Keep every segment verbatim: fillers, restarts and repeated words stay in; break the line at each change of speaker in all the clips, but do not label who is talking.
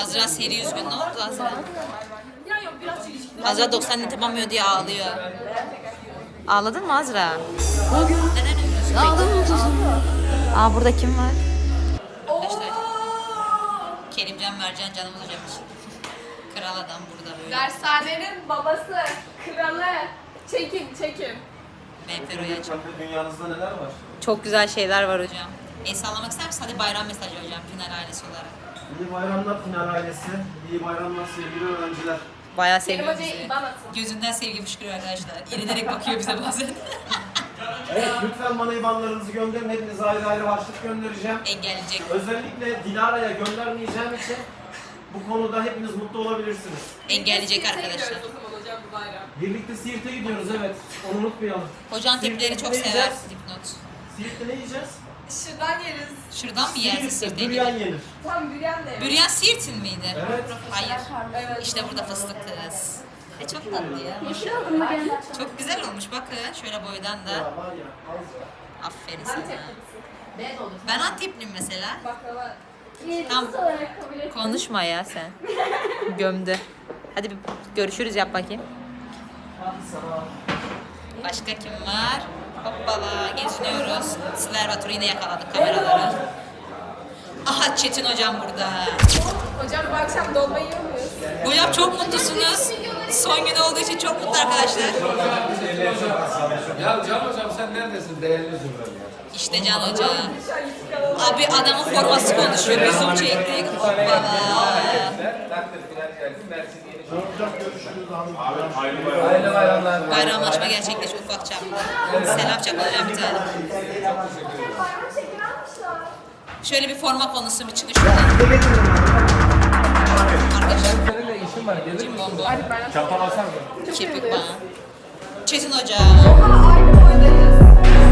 Azra seri üzgün, ne oldu Azra? Azra doksan net yapamıyor diye ağlıyor. Ağladın mı Azra? Neden üzgünsün? Ağladım. Aa burada kim var? Arkadaşlar. Kerimcan Mercan canımız hocamız. Kral adam burada böyle.
Dershanenin babası, kralı. Çekin, çekin.
Menfero'ya açık.
Dünyanızda neler var?
Çok güzel şeyler var hocam. El sallamak ister misin? Hadi bayram mesajı hocam final ailesi olarak.
İyi bayramlar final ailesi. İyi bayramlar sevgili öğrenciler.
Bayağı
Kerim
seviyor
Hoca'ya
bizi.
iban atın.
Gözünden sevgi fışkırıyor arkadaşlar. İrilerek bakıyor bize bazen.
Evet lütfen bana ibanlarınızı gönderin. Hepinize ayrı ayrı harçlık göndereceğim.
Engelleyecek.
Özellikle Dilara'ya göndermeyeceğim için bu konuda hepiniz mutlu olabilirsiniz.
Engelleyecek
Siirt'e
arkadaşlar.
gidiyoruz o zaman hocam bu bayram.
Birlikte Siirt'e gidiyoruz evet. Onu unutmayalım.
Hocan tipleri
Siirt'te
çok
ne
sever.
yiyeceğiz?
Dipnot.
Siirt'te ne yiyeceğiz?
Şuradan yeriz.
Şuradan mı yersin
Siirt'te
Siirt'e
büryan
gidip?
yenir.
Tam büryan da yeriz.
Büryan Siirt'in miydi?
Evet.
Hayır.
Evet.
İşte burada fıstık kız. E çok tatlı ya. Çok güzel olmuş bakın. Şöyle boydan da.
Ya var ya az ya.
Aferin sana.
Anteplisin.
Ben Antepliyim mesela.
Baklava.
Tam konuşma ya sen. Gömdü. Hadi bir görüşürüz yap bakayım.
Hadi sana.
Başka kim var? Hoppala geziniyoruz. Siler Batur'u yine yakaladık kameraları. Aha Çetin hocam burada.
Hocam bu akşam dolma yiyor muyuz?
Hocam çok mutlusunuz. Son gün olduğu için çok mutlu arkadaşlar.
Ya Can hocam sen neredesin değerli zümrem ya?
İşte Can Hoca. Abi adamın forması konuşuyor. Bir zoom çektik. Hoppala.
Hayırlı bayramlar.
Bayramlaşma gerçekleşti ufak çapta. Selam çakılacağım bir tane. Şöyle bir forma konusu bir çıkış buradan. Arkadaşlar
Senin de işin var gelir misin?
bombo.
Çantan alsana.
Kepik bana. Çetin Hoca.
Aynı boydayız.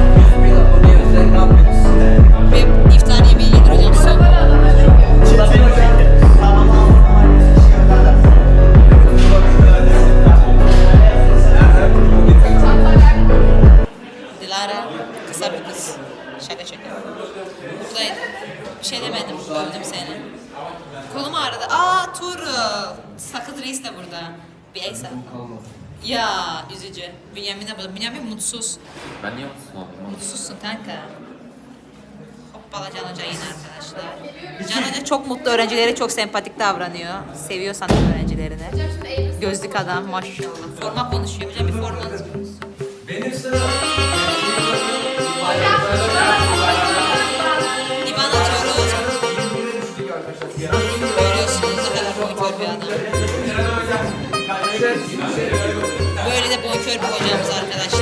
Ve iftar yemeği yedir hocam son. Dilara kısa bir kız. Şaka şaka. Buradaydı. Bir şey demedim. Övdüm seni. Kolum ağrıdı. Aa Tuğrul. Sakız Reis de burada. Bir el salla. Ya üzücü. Bünyamin de burada. Bünyamin mutsuz.
Ben niye mutsuz oldum?
Mutsuzsun kanka. Hoppala Can Hoca yine arkadaşlar. Can Hoca çok mutlu öğrencilere çok sempatik davranıyor. Seviyor sanat öğrencilerini.
Hocam şimdi eğitim.
Gözlük adam maşallah. Forma konuşuyor. Hocam bir formanız.
Benim sıram.
İban atıyoruz. Görüyorsunuz ne kadar bonkör bir adam. Böyle de bonkör bir hocamız arkadaşlar.